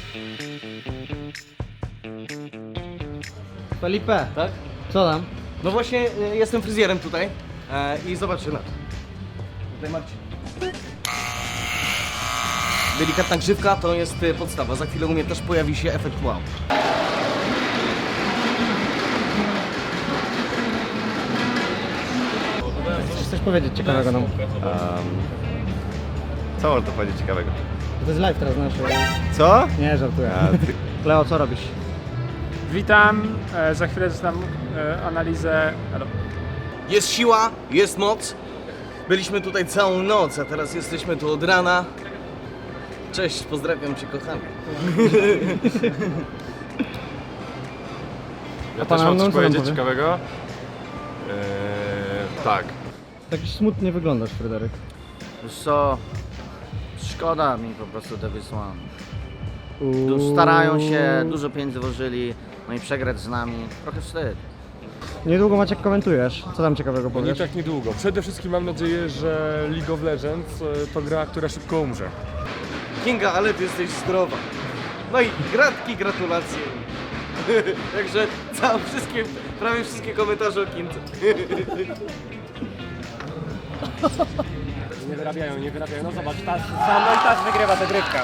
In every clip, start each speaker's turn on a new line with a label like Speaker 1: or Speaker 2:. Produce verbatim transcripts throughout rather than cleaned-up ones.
Speaker 1: Felipe,
Speaker 2: Tak?
Speaker 1: co tam?
Speaker 2: No właśnie y, jestem fryzjerem tutaj e, i zobaczcie na to. Tutaj Marcin. Delikatna grzywka to jest y, podstawa. Za chwilę u mnie też pojawi się efekt wow.
Speaker 1: Chcesz coś powiedzieć ciekawego nam?
Speaker 3: Um, co można powiedzieć ciekawego?
Speaker 1: To jest live teraz nasz.
Speaker 3: Co?
Speaker 1: Nie, żartuję.
Speaker 3: A, ty...
Speaker 1: Leo, co robisz?
Speaker 4: Witam, e, za chwilę dostam e, analizę. Halo.
Speaker 2: Jest siła, jest moc. Byliśmy tutaj całą noc, a teraz jesteśmy tu od rana. Cześć, pozdrawiam cię kochany.
Speaker 5: Ja
Speaker 1: pan
Speaker 5: też mam
Speaker 1: Arnold,
Speaker 5: coś
Speaker 1: co
Speaker 5: powiedzieć
Speaker 1: nam powie?
Speaker 5: ciekawego. Eee, tak.
Speaker 1: Tak smutnie wyglądasz, Fryderyk.
Speaker 6: Wiesz co, szkoda mi po prostu te wysłane.
Speaker 1: Uuu.
Speaker 6: Starają się, dużo pieniędzy włożyli, no i przegrać z nami, trochę wstyd.
Speaker 1: Niedługo Maciek komentujesz. Co tam ciekawego
Speaker 5: No nie
Speaker 1: powiesz?
Speaker 5: tak niedługo. Przede wszystkim mam nadzieję, że League of Legends e, to gra, która szybko umrze.
Speaker 2: Kinga, ale ty jesteś zdrowa. No i gratki, gratulacje. Także całe wszystkie, prawie wszystkie komentarze o Kindze.
Speaker 4: Nie wyrabiają, nie wyrabiają. No zobacz, ta, sam no i ta wygrywa tę grywkę.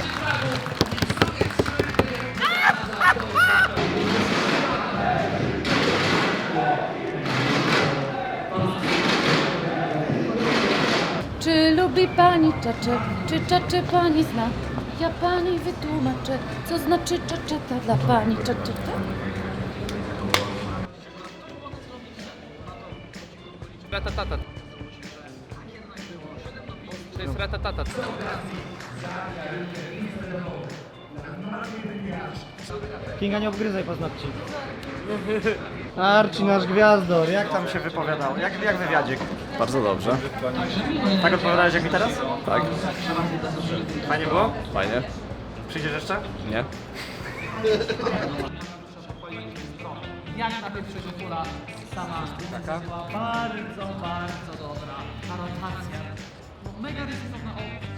Speaker 7: Czy lubi pani czacze? Czy czacze pani zna? Ja pani wytłumaczę, co znaczy czaczeta dla pani czaczeta.
Speaker 8: Ratatata. To jest ratatata.
Speaker 1: Kinga, nie obgryzaj paznokci. Arci, nasz gwiazdor, jak tam się wypowiadał? Jak, jak wywiadzik?
Speaker 3: Bardzo dobrze.
Speaker 1: Tak odpowiadałeś jak mi teraz?
Speaker 3: Tak?
Speaker 1: Fajnie było?
Speaker 3: Fajnie?
Speaker 1: Przyjdziesz jeszcze?
Speaker 3: Nie?
Speaker 8: Jak na pierwszego kula sama taka? Bardzo, bardzo dobra. Ta rotacja. No, mega ryzykowna.